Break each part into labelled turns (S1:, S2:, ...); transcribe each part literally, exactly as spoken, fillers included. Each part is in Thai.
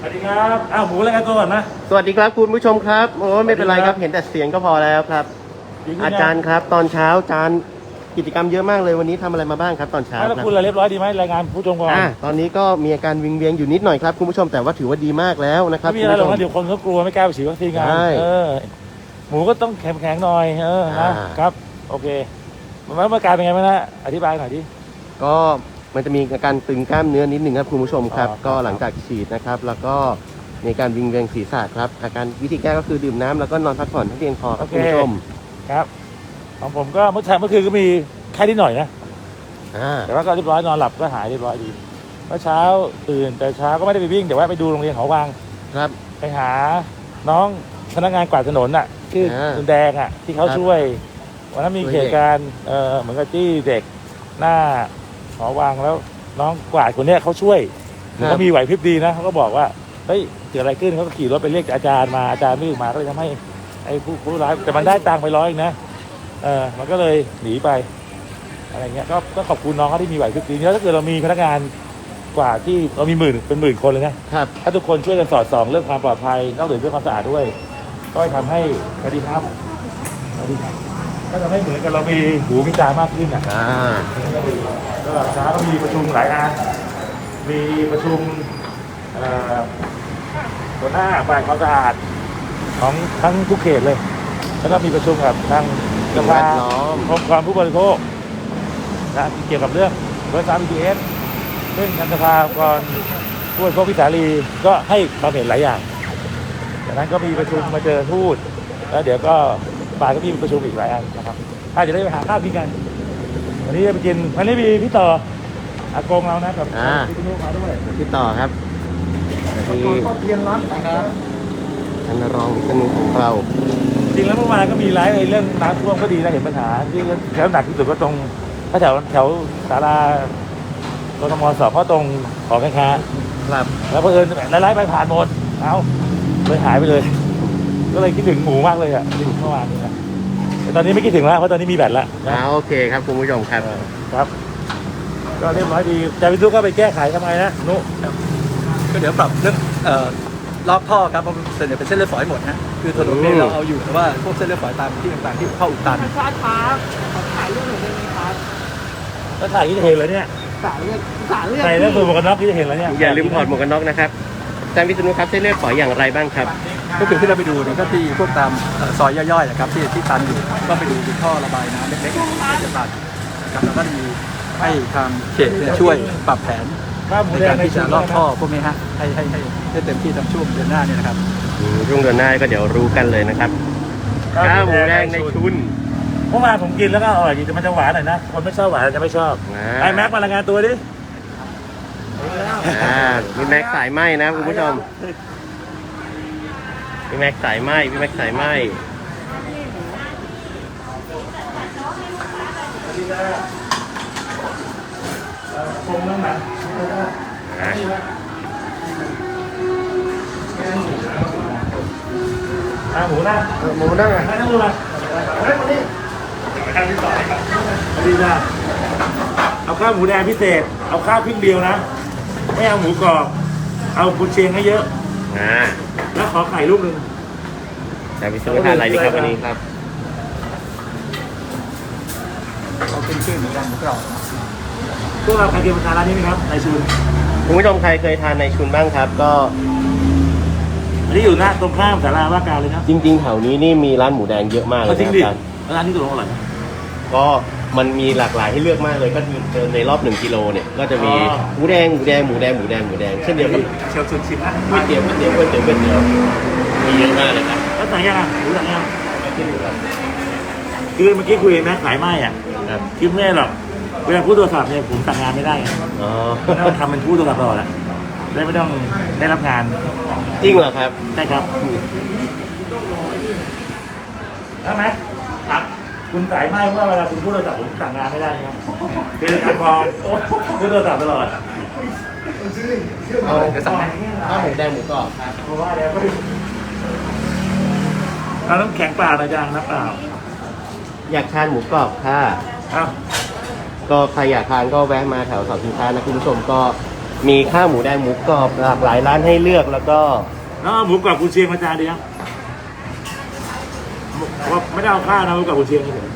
S1: สวัสดีครับอ้าวหมูรายงานตัวก่อนนะ
S2: สวัสดีครับคุณผู้ชมครับโอ้ไม่เป็นไรครับเห็นแต่เสียงก็พอแล้วครับอาจารย์ครับตอนเช้าอาจารย์กิจกรรมเยอะมากเลยวันนี้ทำอะไรมาบ้างครับตอนเช้า
S1: แล้วคุณเรียบร้อยดีไหมรายงานผู้ชมก่อน
S2: อ่าตอนนี้ก็มีอาการวิงเวียงอยู่นิดหน่อยครับคุณผู้ชมแต่ว่าถือว่าดีมากแล้วนะครับ
S1: ไม่มีอะไรหรอกนะเดี๋ยวคนเขากลัวไม่กล้าไปฉีดวัคซีนกันเออหมูก็ต้องแข็งแข็งหน่อยเออนะครับโอเคมันเมื่อการเป็นไงบ้างนะอธิบายหน่อยดิ
S2: ก็มันจะมีอาการตึงกล้ามเนื้อนิดหนึ่งครับคุณผู้ชมครับก็หลังจากฉีดนะครับแล้วก็ในการวิงเวียงศีรษะครับอาการวิธีแก้ก็คือดื่มน้ำแล้วก็นอนพักผ่อนให้เพียงพอครับคุณผู้ชม
S1: ครับของผมก็เมื่อเช้าเมื่อคืนก็มีไข้นิดหน่อยนะแต่ว่าก็เรียบร้อยนอนหลับก็หายเรียบร้อยดีเมื่อเช้าตื่นแต่เช้าก็ไม่ได้ไปวิ่งแต่ว่าไปดูโรงเรียนเขาวัง
S2: ครับ
S1: ไปหาน้องพนักงานกวาดถนนอ่ะชื่อคุณแดงอ่ะที่เขาช่วยวันนั้นมีเหตุการณ์เออเหมือนกับที่เด็กหน้าหอวังแล้วน้องกวาดคนนี้เขาช่วยเขามีไหวพริบดีนะเขาก็บอกว่าเฮ้ยเกิดอะไรขึ้นเขาก็ขี่รถไปเรียกอาจารย์มาอาจารย์ไม่มาก็เลยทำให้ไอ้ผู้ผู้ร้ายแต่มันได้ตังค์ไปร้อยนะเออมันก็เลยหนีไปอะไรเงี้ยก็ก็ขอบคุณน้องเขาที่มีไหวพริบดีแล้วถ้าเกิดเรามีพนักงานกว่าที่เรามีหมื่นเป็นหมื่นคนเลยนะครับถ้าทุกคนช่วยกันสอดส่องเรื่องความปลอดภัยนอกจากเรื่องความสะอาดด้วยก็ทำให้สวัสดีครับสวัสดีครับก็ทำให้เหมือนกับเรามีหูมีตามากขึ้นอ่ะก็เช้าก็มีประชุมหลายอันมีประชุมหัวหน้าฝ่ายความสะอาดของทั้งทุกเขตเลยแล้วก็มีประชุมกับทางสภาองค์กรผู้บริโภคนะเกี่ยวกับเรื่องรถไฟฟ้า บี ที เอส ซึ่งทางสภาองค์กรผู้บริโภคพิสาลีก็ให้ความเห็นหลายอย่างจากนั้นก็มีประชุมมาเจอทูตแล้วเดี๋ยวก็บ่ายก็มีประชุมอีกหลายอันนะครับถ้าจะได้ไปหาข้าวกินกันวันนี้จะไปกินวันนี้มีพี่ต่ออากงเรานะกับพี่ตุ้มมาด้วย
S2: พี่ต่อครับ
S1: ที่เรียนร้อนนะครับ
S2: ท่านรองวิศนุของเรา
S1: จริงแล้วเมื่อวานก็มีไลฟ์เรื่องน้ำท่วมก็ดีนะเห็นปัญหาที่แถวหนักที่สุดก็ตรงแถวแถวศาลากทมสอบเพราะตรงของแม่ค้า
S2: ครับ
S1: แล้วเพื่อนไลฟ์ไปผ่านหมดเอาเลยหายไปเลยก็เลยคิดถึงหมูมากเลยอ่ะที่เมื่อวานนี้นะแต่ตอนนี้ไม่คิดถึงแล้วเพราะตอนนี้มีแบตแล้ว
S2: อ่าโอเคครับคุณผู้ชมครับ
S1: ครับก็เรียบร้อยดีแต่พี่ตุ๊กก็ไปแก้ไขทำไมนะนุ
S3: ก็เดี๋ยวปรับเรื่องรอบท่อครับผมเสนอเป็นเส้นเลือดฝอยหมดนะคือถนนเนี่ยเราเอาอยู่แต่ว่าพวกเส้นเลือดฝอยตามที่ต่างๆที่เข้าอุดตัน
S4: ชาร์จครับถ่ายรูปหน่อยได้ไหมครับ
S1: ก็ถ่ายที่จะเห็นเลยเนี่ย
S4: สายเลือดสายเลือด
S1: ใส่แล้วสูบหมวกกันน็อกที่จะเห็นแล้วเนี่ย
S2: อย่าลืมถอดหมวกกันน็อกนะครับอาจารย์วิษณุครับเส้นเลือดฝอยอย่างไรบ้างครับ
S3: ก็คือที่เราไปดูเนี่ยก็ที่พวกตามซอยย่อยๆนะครับที่ที่ตันอยู่ก็ไปดูท่อระบายน้ำเล็กๆจะตัดครับแล้วก็มีให้ทางเขตช่วยปรับแผนในการที่จะลอกท่อพวกนี้ฮะให้ให้ให้ได้เต็มที่ทำช่วงเดือนหน้านี่นะครับ
S2: ช่วงเดือนหน้าก็เดี๋ยวรู้กันเลยนะครับข้าวหมูแดงในชุน
S1: เมื่อวานผมกินแล้วก็อร่อยดีแต่มันจะหวานหน่อยนะคนไม่ชอบหวานจะไม่ชอบไอ้แม็กมารายงานตัวดิ
S2: อ่ามีแม็กสายไหมนะคุณผู้ชมมีแม็กสายไหมมีแม็กสายไหม
S1: คงนั่งหนักอ่าหมูนั่ง
S2: หมูนั่งอ่ะ
S1: นั่งดูมาเฮ้ยมาดิอันที่สองดีจ้าเอาข้าวหมูแดงพิเศษเอาข้าวพริกเดียวนะไม่เอาหมูกรอบเอากุนเชียงให้เยอะ
S2: อ่า
S1: แล้วขอไข่ลูกหนึ่ง
S2: แต่พิเศษทานอะไรดีครับวันนี้ครับ
S3: เอาเป็นชื่อหมูแดงหมูกรอบ
S1: พวกเราใครเคยมาทานร้านนี้ไหมครับในชุน
S2: คุณผู้ชมใครเคยทานในชุนบ้างครับก็
S1: อันนี้อยู่หน้าตรงข้ามศาลาว่าการเลยนะ
S2: จริงๆแถวนี้นี่มีร้านหมูแดงเยอะมากเลย
S1: นะครับร้านนี้ตัวอร่อย
S2: ก็มันมีหลากหลายให้เลือกมากเลยก็เดินในรอบหนึ่งกิโลเนี่ยก็จะมีหมูแดงหมูแดงหมูแดงหมูแดงหมูแดงเช่นเดียวกับ
S1: เชียวชุนชิมนะ
S2: ก๋วยเตี๋ยวก๋วยเตี๋ยวก๋วยเตี๋ยวก๋วยเตี๋ยวมีเยอะมากเลยครับ
S1: แล้วสั่งยังอ่ะหมูสั่งยังคือเมื่อกี้คุยแม่ขายไม้อ่ะคิดไม่หรอกเวลาพูดโทรศัพท์เนี่ยผมสั่งงานไม่ได้
S2: อ๋อ
S1: ต้องทำเป็นพูดโทรศัพท์ตลอดแหละได้ไม่ต้องได้รับงาน
S2: จริงเหรอครับ
S1: ใช่ครับได้ไหมครับคุณสายไหมว่าเวลาคุณพูดโทรศัพท์ผมสั่งงานไม่ได้ครับคือการมองพูดโทรศัพท์ตลอด
S2: เอาเดี๋ยวสั่งข้าวหมูแดงหมูกรอบครับ
S1: เพราะว่าแล้วเราต้องแข็งเปล่านะจ๊ะน้ำเปล่า
S2: อยากทานหมูกรอบค่ะ
S1: ครับ
S2: ก็ใครอยากทานก็แวะมาแถวเสาชิงช้านะคุณผู้ชมก็มีข้าวหมูแดงหมูกรอบหลากหลายร้านให้เลือกแล้วก็
S1: แล้วเอาหมูกรอบกุนเชียงมาจานเดียวว่าไม่ได้เอาข้าวนะหมูกรอบกุนเชียงเฉย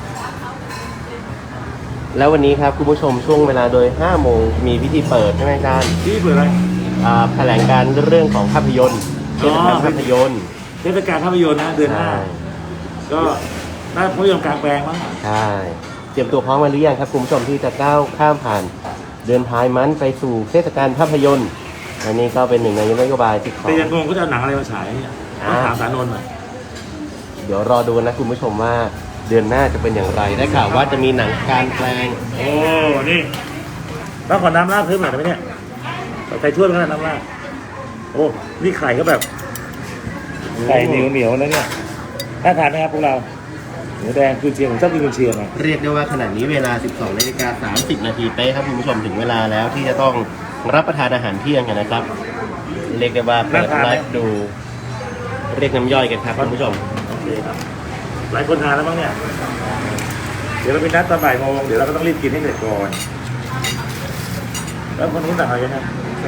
S2: แล้ววันนี้ครับคุณผู้ชมช่วงเวลาโดยห้าโมงมีพิธีเปิดใช่ไหมอาจารย์
S1: ที่เปิดอะไร
S2: อ่าแถลงการเรื่องของภาพยนตร์เทศกาลภาพยนตร์
S1: เทศกาลภาพยนตร์นะเดือนหน้า
S2: ใช่
S1: ก็น่าภาพยนตร์กลางแปลงมั้ง
S2: ใช่เตรียมตัวพร้อมมาหรือยังครับคุณผู้ชมที่จะก้าวข้ามผ่านเดือนท้ายมันไปสู่เทศกาลภาพยนตร์อันนี้ก็เป็นหนึ่งในนโยบายที่ขอ
S1: แต่ยังงงก็จะเอาหนังอะไรมาฉายเนี่ยต้องถามสารนนท์หน่อย
S2: เดี๋ยวรอดูนะคุณผู้ชมว่าเดือนหน้าจะเป็นอย่างไรได้ข่าวว่าจะมีหนังการแปลง
S1: โอ้ นี่แล้วขอน้ำราดเพิ่มหน่อยได้ไหมเนี่ยใส่ถ้วยมันก็ได้น้ำราดโอ้ นี่ไข่ก็แบบ ไข่เหนียวเหนียวๆนะเนี่ยน่าทานไหมครับพวกเราหมูแดงกุนเชียงผมชอบกินกุนเชียงอ่ะ
S2: เรียกได้ว่าขณะนี้เวลา สิบสองนาฬิกาสามสิบนาทีเป๊ะครับคุณผู้ชมถึงเวลาแล้วที่จะต้องรับประทานอาหารเที่ยงกันนะครับ เรียกได้ว่าเปิดไลฟ์ดูเรียกน้ำย่อยกันครับคุณผู้ชม
S1: โอเคครับ หลายคนทานแล้วมั้งเนี่ย เดี๋ยวเราไปนัดตอนบ่ายโมงเดี๋ยวเราก็ต้องรีบกินให้เสร็จก่อน แล้วคนนู้นสั่งอะไรกันนะ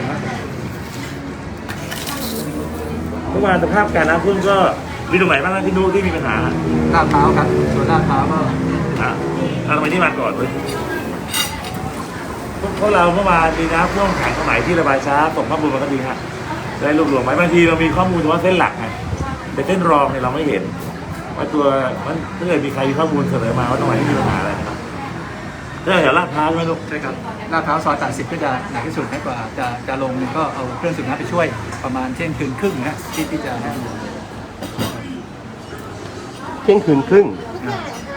S1: เมื่อวานสภาพการน้ำท่วมก็มีตรงไหนบ้างนะที่นู้นที่มีปัญหา
S3: ลาดพร้าวครับส่วนลาดพร้าวก็
S1: อ่ะเอาทำไมที่มาก่อนเลยพวกเราเมื่อวานมีน้ำท่วมขังสมัยที่ระบายช้าส่งข้อมูลมาก็ดีฮะได้รวบรวมไว้บางทีเรามีข้อมูลเฉพาะเส้นหลักไงแต่เส้นรองเนี่ยเราไม่เห็นว่าตัวมันถ้าเกิดมีใครมีข้อมูลเสนอมาว่าตรงไหนที่มีปัญหาอะไรนะครับถ้าแถวลาดพร้าวใช่ไหมลูก
S3: ใช่ครับลาดพร้าวซอยแปดสิบก็จะหนักที่สุดนะกว่าจะจะลงก็เอาเครื่องสูบน้ำไปช่วยประมาณเที่ยงคืนครึ่งนะที่ที่จะให้ดู
S2: เที่ยงคืนครึ่ง
S3: อ่า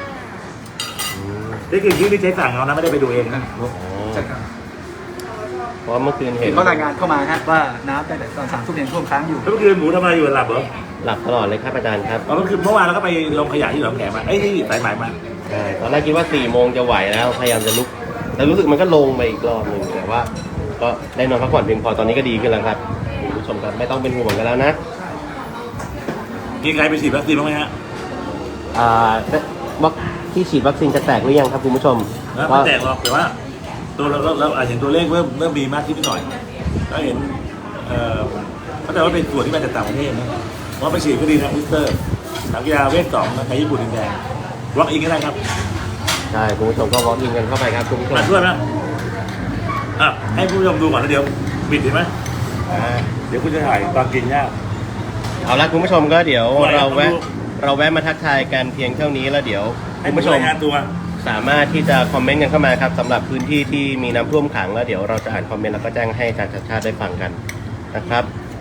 S1: นี่คือที่ที่ใช้สั่งเอานะไม่ได้ไปดูเองนะ
S3: ใช่ครับ
S2: เพราะเมื่อคืนเห็น
S3: เขารายงานเข้ามาฮะว่าน้ำตั้งแต่ตอนสามทุ่มยังท่วมค้างอยู่
S1: แล้วเมื่อคืนหมูทำอะไรอยู่หลับเหรอ
S2: หลับตลอดเลยครับอาจารย์ครับ
S1: อ๋อเมื่อคืนเมื่อวานเราก็ไปลงขยะที่หนองแขมมาเอ้ยที่สายไหมมา
S2: ใช่ตอนแรกคิดว่าสี่โมงจะไหวแล้วพยายามจะลุกแต่รู้สึกมันก็ลงไปอีกรอบหนึ่งแต่ว่า ก็ได้นอนพักผ่อนเพียงพอตอนนี้ก็ดีขึ้นแล้วครับคุณผู้ชมครับไม่ต้องเป็นห่วงกันแล้วนะ
S1: มีใครไปฉีดวัคซีนบ้างไหมฮะ
S2: อ่าวัคที่ฉีดวัคซีนจะแตกหรือยังครับคุณผู้ชม
S1: แล้วไม่แตกหรอกแต่ว่า ตัวเราเราอาจเห็นตัวเลขเริ่มเริ่มมีมากขึ้นนิดหน่อยก็เห็นเอ่อเข้าใจว่าเป็นส่วนที่มาจากต่างประเทศนะเพราะไปฉีดก็ดีนะบูสเตอร์สามกีฬาเวทสองนะใครญี่ปุ่นแดงวอล์กอินก็ได้ครับ
S2: ใช่คุณผู้ชมก็วอล์กอินกันเข้าไปครับคุณผู้ชม
S1: มาช่วยไหมอ่ะให้ผู้ชมดูก่อนแล้วเดี๋ยวปิดเห็นไหม
S2: อ่า
S1: เดี๋ยวคุณจะถ่ายตอนกินยาก
S2: เอาละคุณผู้ชมก็เดี๋ยว
S1: ไหวครับ
S2: เราแวะ
S1: ดู
S2: เราแวะมาทักทายกันเพียงเท่านี้แล้วเดี๋ยว
S1: ให้
S2: คุณ
S1: ผู้
S2: ผู้
S1: ช
S2: ช
S1: ม
S2: ม
S1: รายงานตัว
S2: สามารถที่จะคอมเมนต์กันเข้ามาครับสำหรับพื้นที่ที่มีน้ำท่วมขังแล้วเดี๋ยวเราจะอ่านคอมเมนต์แล้วก็แจ้งให้อาจารย์ชัดชาติได้ฟังกันนะครับ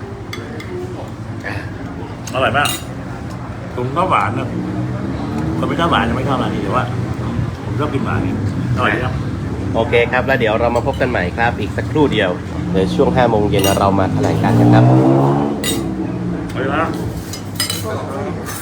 S1: อร่อยมากผมชอบหวานนะคนไม่ชอบหวานจะไม่ชอบร้านนี้แต่ว่า ผมชอบกินหวานเนี่ยอร่อยดีครับ
S2: โอเคครับแล้วเดี๋ยวเรามาพบกันใหม่ครับ อีกสักครู่เดียวเดี๋ยวช่วงห้าโมงเย็นเรามาแถลงการกันครับ
S1: อร่อยนะ